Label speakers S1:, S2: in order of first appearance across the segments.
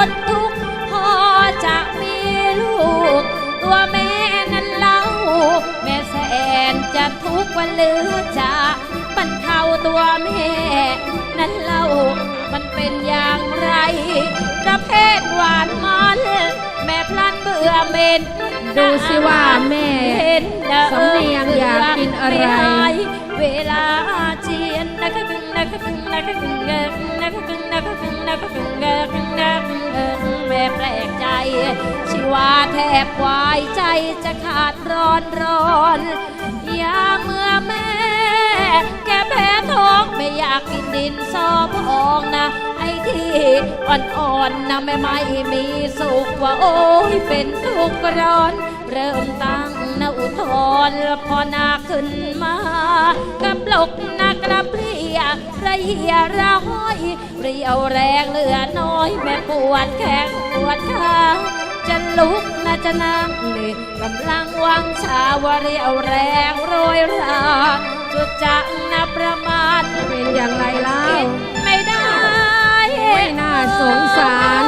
S1: นทุกข์พอจะมีลูกตัวแม่นั้นเล่าแม่แสนจะทุกข์วันเหลือจะบรรเทาตัวแม่นั้นเล่ามันเป็นอย่างไรประเภทหวานมันแม่พลันเบื่อเม็น
S2: ดูสิว่าแม่สำเนียงอยากกินอะไร
S1: เวลาเจียนนะคะกึ่งนะคะกึ่งนะคะกึ่งนะคะกึ่งนะคะกึ่งนะคะกึ่งแม่แปลกใจชีวาแทบวายใจจะขาดร้อนยาเมื่อแม่แกแพ้ท้องไม่อยากกินดินซอพองนะไอ้ที่อ่อนๆนะไม่มีสุขว่าโอ้ยเป็นทุกข์ร้อนเริ่มตั้งนะอุทธรพอนาขึ้นมากับลกนักกระเพลียระเหี่ยระห้อยเรียวแรงเหลือน้อยแม่ปวดแข้งปวดขาจะลุกนะจะนั่งนี่กำลังวังชาวเรียวแรงโรยราจุดจักนะประมาท
S2: เป็นอย่างไรเล่า
S1: ไม่ได้
S2: ไม่น่าสงสาร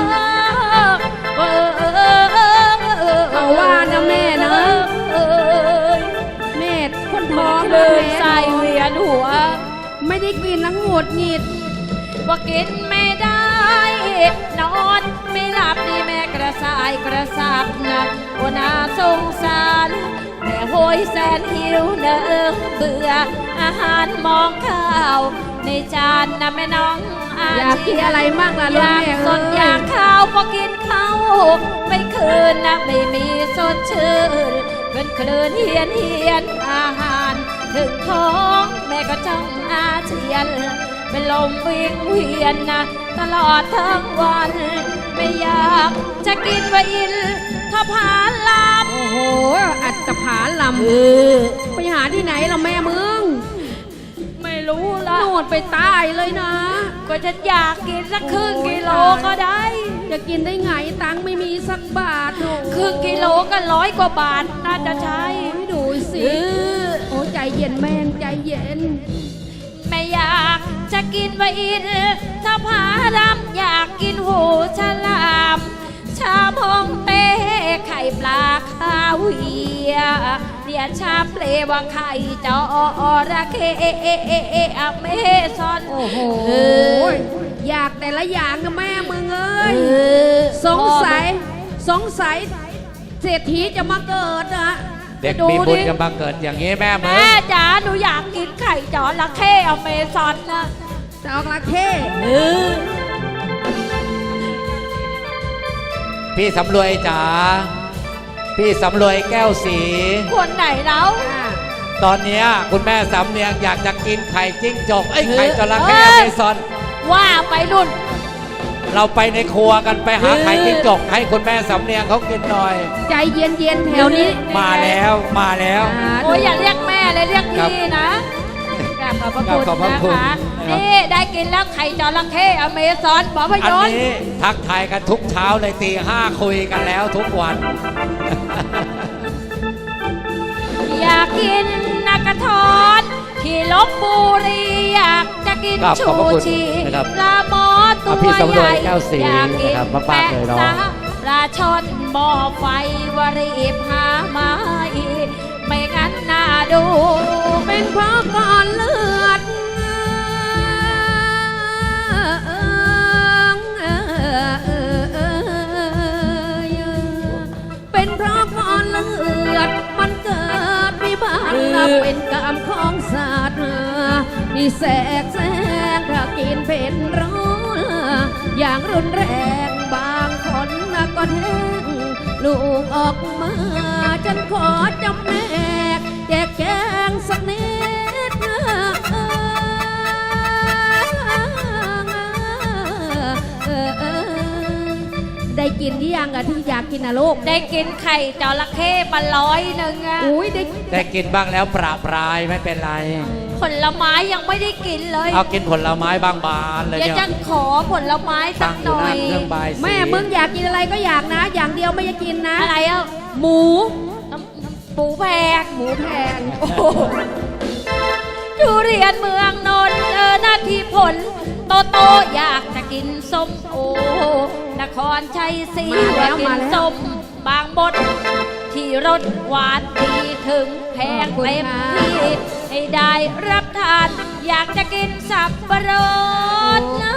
S2: เอาว่านะแม่นะแม่คนท้อง
S1: เลยใส่เวียนหัว
S2: ไม่ได้กินแล้วหงุดหงิด
S1: ว่ากินไม่ได้นอนไม่หลับนี่แม่กระสายกระสับนะโอน่าสงสารแม่โหยแสนหิวเนอเบื่ออาหารมองข้าวในจานนะแม่น้อง
S2: อยากกินอะไรมากล่ะลูกแม่
S1: สดอยากข้าวพอกินข้าวไม่คืนนะไม่มีสดชื่นเป็นคลื่นเฮียนอาหารถึงท้องแม่ก็จ้องอาเจียนเป็นลมวิ่งเวียนนะตลอดทั้งวันไม่อยากจะกินว่าอินทผาลัม
S2: โอ้โหอัตผาลัมไปหาที่ไหนล่ะแม่มึง
S1: ไม่รู้ละ
S2: โนดไปใต้เลยนะ
S1: ก็ฉันอยากกินสักครึ่งกิโลก็ได้
S2: จะกินได้ไงตังไม่มีสักบาท
S1: ครึ่งกิโลก็100 กว่าบาทน่าจะใช้
S2: ดูสิโอ้ใจเย็นแม่ใจเย็น
S1: ไม่อยากจะกินไวอินถ้าผาดำอยากกินหูฉลามชาพองเต้ไข่ปลาคาเวียเนี่ยชาเปลว่าไข่จอระเข้เมซอน
S2: โอ้โหอยากแต่ละอย่างนะแม่มึงเอ้ยสงสัยเศรษฐีจะมาเกิดนะ
S3: เด็กมีบุญกันมาเกิดอย่างนี้แม่มึง
S1: แม่จ๋าหนูอยากกินไข่จอระเข้อเมซอนนะ
S2: จอระเข้
S3: พี่สำรวยจ๋าพี่สำรวยแก้วสี
S1: คนไหนแล้ว
S3: ตอนนี้คุณแม่สำเนียงอยากจะกินไข่จิ้งจกไข่จระเข้อเมซอน
S1: ว่าไปนุ่น
S3: เราไปในครัวกันไปหาไข่จิ้งจกให้คุณแม่สำเนียงเขากินหน่อย
S2: ใจเย็นแถวนี้
S3: มาแล้ว
S1: โอ้ยอย่าเรียกแม่เลยเรียกพี่นะขอบพระคุณนะคะนี่ได้กินแล้วไข่จระเข้อเมซอนบอกพยนต์
S3: อันนี้ทักทายกันทุกเช้าเลยตี 5คุยกันแล้วทุกวัน
S1: อยากกินนักกระทอนที่ลบบุรีอยากจะกินชูชีปลาหมอตัวใหญ่อยากกินแปะซะปลาช่อนบ่อไฟวรีบหามาไม่งั้นน่าดู
S2: เป็นเพราะก้อนเลือดเป็นเพราะก้อนเลือดมันเกิดวิบัติเป็นกรรมของสัตว์นี่แสกแสงถ้ากินเป็นร้อนอย่างรุนแรงบางคนก็แท้งลูกออกมาฉันขอจำแนกแจกแจงสักนิดได้กินที่ยังอะที่อยากกินนะลูก
S1: ได้กินไข่จระเข้มา100อะ
S2: อุ้ย
S3: ได้กินบ้างแล้วประปรายไม่เป็นไร
S1: ผลไม้ยังไม่ได้กินเลย
S3: เอากินผลไม้บางบานเลยเนี่ย
S1: จะขอผลไม้สักหน่อย
S2: แม่มึงอยากกินอะไรก็อยากนะอย่างเดียวไม่จะกินนะ
S1: อะไรอ่ะ
S2: หมู
S1: แพงทุเรียนเมืองนนท์นาทีผลโตอยากจะกินส้มโอนครชัยศรี
S2: มาแล้ว
S1: กิ
S2: มาน แล้ว
S1: ส้มบางบดที่รสหวานดีถึงแพงเต็มที่ให้ได้รับทาน อยากจะกินสับปะรดนะ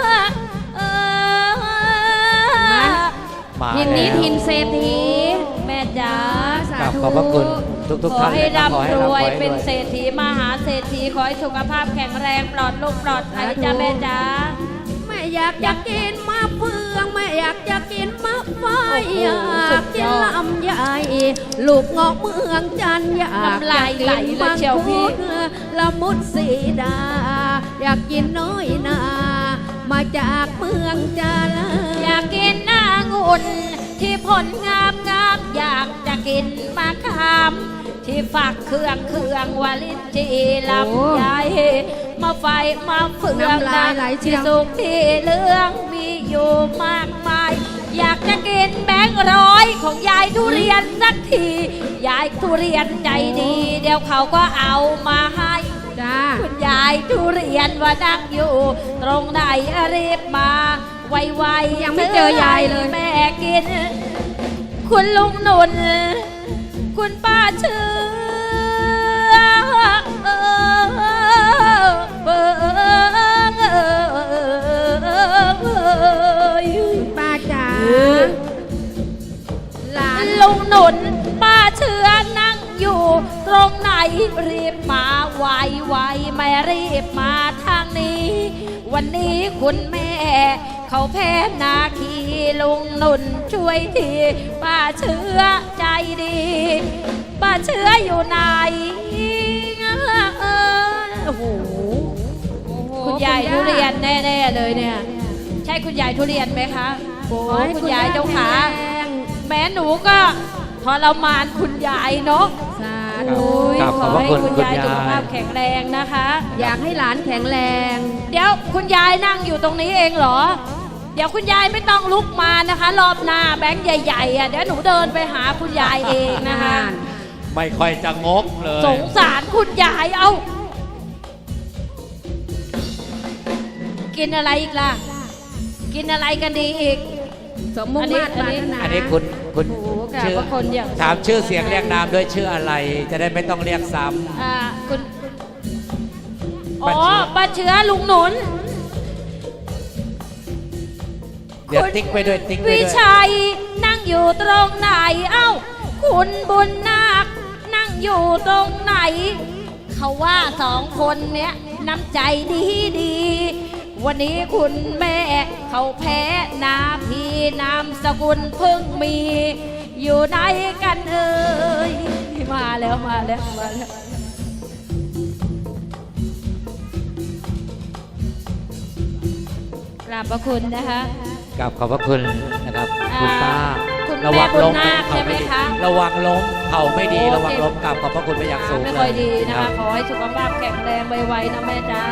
S3: มา
S2: ทินนี้
S3: แล้ว
S2: ทินเศรษฐี
S1: แม่จ๋า
S2: สา
S3: ครับ
S2: ธุ
S3: ขอบพระคุณทุก
S1: ขอ
S3: ท่าน
S1: ให้
S3: เลยครับขอให้
S1: ร่ำร
S3: ร่ำร
S1: ว
S3: วย ย
S1: เป็น
S3: ด้วย
S1: เศรษฐีมหาเศรษฐีขอให้สุขภาพแข็งแรงปลอดโรคปลอดภัยจ้าแม่จ๋า
S2: แม่อยากจะกินมะเฟืองแม่อยากจะกินมะไฟอยากกินลำไยลูกเงาะเมืองจันทร์อยาก
S1: น้ำลายไหลเลยเชียวพี่
S2: ละมุดสีดา อยากกินน้อยนา มาจากเมืองจันทร์
S1: อยากกินองุ่นที่ผลงามงามอยากจะกินมะขามที่ฝักเครื่องวาลินจีลำไยมาไฟมาเฟือง
S2: น้ำลายไหลเชี
S1: ที่
S2: ยว
S1: สุกที่เหลืองมีอยู่มากมาย อยากจะกินแบงค์ร้อยของยายทุเรียนสักทียายทุเรียนใจดี เดี๋ยวเขาก็เอามาให้
S2: จ้า
S1: คุณยายทุเรียนว่านั่งอยู่ ตรงไหนรีบมาไวๆ
S2: ยังไม่เจอยายเลย
S1: แม่กิน คุณลุงหนุน คุณป้าเชื่
S2: ป้าจ๋าหลาน
S1: ลุงหนุนป้าเชื่อนั่งอยู่ ตรงไหนรีบมาไวๆไม่รีบมาทางนี้ วันนี้คุณแม่ เขาแพ้นาคีลุงหนุนช่วยทีป้าเชื่อใจดีป้าเชื่ออยู่ไหนโอ้โหคุณยายทุเรียนแน่ๆเลยเนี่ย ใช่คุณยายทุเรียนไหมคะโอ้คุณยายเจ้าขา
S2: แข็งแรง
S1: แม้หนูก็ทรมานคุณยายเนาะ
S2: สา
S3: ครั
S2: ธุ
S3: บ ครับ
S1: ข
S3: ข
S1: อ
S3: อบพระ
S1: ให้
S3: คุณ
S1: คุณยาย
S3: คุณยาย
S1: สุขภาพแข็งแรงนะคะ
S2: อยากให้หลานแข็งแรง
S1: เดี๋ยวคุณยายนั่งอยู่ตรงนี้เองเหรอ เดี๋ยวคุณยายไม่ต้องลุกมานะคะ รอบหน้าแบงค์ใหญ่ๆอ่ะเดี๋ยวหนูเดินไปหาคุณยายเองนะคะ
S3: ไม่ค่อยจะงกเลย
S1: สงสารคุณยายเอากินอะไรอีกล่ะ กินอะไรกันดีอีก
S2: สมมุ่งมาตร
S1: อั
S2: ปราน
S1: นี้
S2: ถนา
S3: อันนี้คุณ
S1: โอ้โหกราบ
S3: ชื่อ
S1: พระคุณอย่าง
S3: ถามชื่อเสียงเรียกนามด้วยชื่ออะไร จะได้ไม่ต้องเรียกซ้
S1: คุณ
S3: ป้า
S1: อ๋อ
S3: เชื้อ
S1: ป้าเชื้อลุงหนุน
S3: ำเดี๋ยวติ๊กไปด้วยติ๊กไป
S1: วิ
S3: ด้วย
S1: ชัยนั่งอยู่ตรงไหน เอ้า คุณบุญนาคนั่งอยู่ตรงไหน เขาว่าสองคนเนี้ยน้ำใจดีดี วันนี้คุณแม่เขาแพ้นาพีนามสกุลเพิ่งมี อยู่ไหนกันเอ่ยมาแล้วมาแล้วมาแล้วกราบพระคุณนะคะ
S3: กับขอบพระคุณนะครับ คุณป้า
S1: คุณแม่
S3: ระวังล้ม
S1: บุญนาค
S3: เข่าไม่ดี
S1: ใช่ไหมคะ
S3: ระวังล้มเข่าไม่ดี
S1: โอ้
S3: ระวังล้มกับขอบพระคุณไปอย่างสูง
S1: ไม่
S3: เล
S1: ค่อย
S3: ย
S1: ดีนะ
S3: ครั
S1: คะ
S3: บ
S1: ขอให้สุขภาพแข็งแรงไวๆนะแม่จ๋า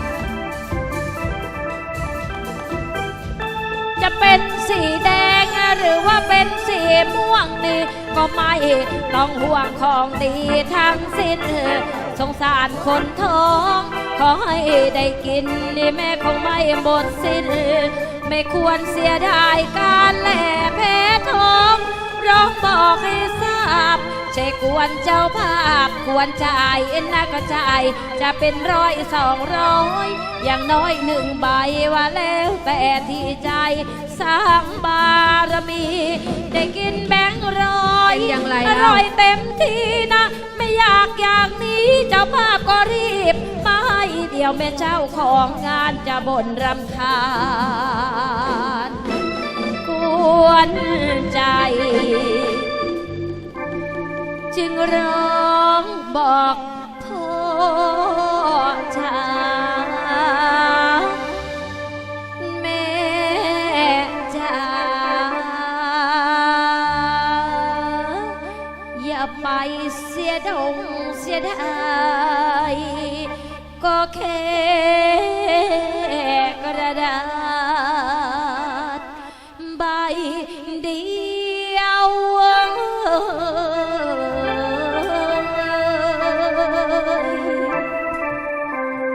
S1: จะเป็นสีแดงหรือว่าเป็นสีม่วงนี่ก็ไม่ต้องห่วงของดีทั้งสิ้นสงสารคนท้อง ขอให้ได้กินนี่แม่คงไม่หมดสิ้น ไม่ควรเสียดายการแหล่แพ้ท้องร้องบอกให้ทราบ ใช่กวนเจ้าภาพควรจ่ายนะก็จ่ายจะเป็น100 200อย่างน้อย1 ใบว่าแล้วแต่ที่ใจสร้างบารมี ได้กินแบงค์ร้อย
S2: เป็นอย่างไร
S1: อ
S2: เล่า
S1: ร่อยเต็มที่นะ ไม่อยากอย่างนี้เจ้าภาพก็รีบมาให้เดี๋ยวแม่เจ้าของงานจะบ่นรำคาญกวนใจ จึงร้องบอกพ่อชาแม่จ๋าอย่าไปเสียดงเสียดายก็แค่กระดาษใบเดียว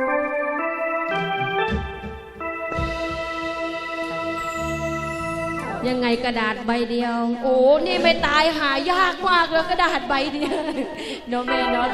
S1: ข
S2: ยังไงกระดาษใบเดียว
S1: โอ้นี่ไม่ตายหายากมากเลยกระดาษใบเดียวเนาะแม่เนาะ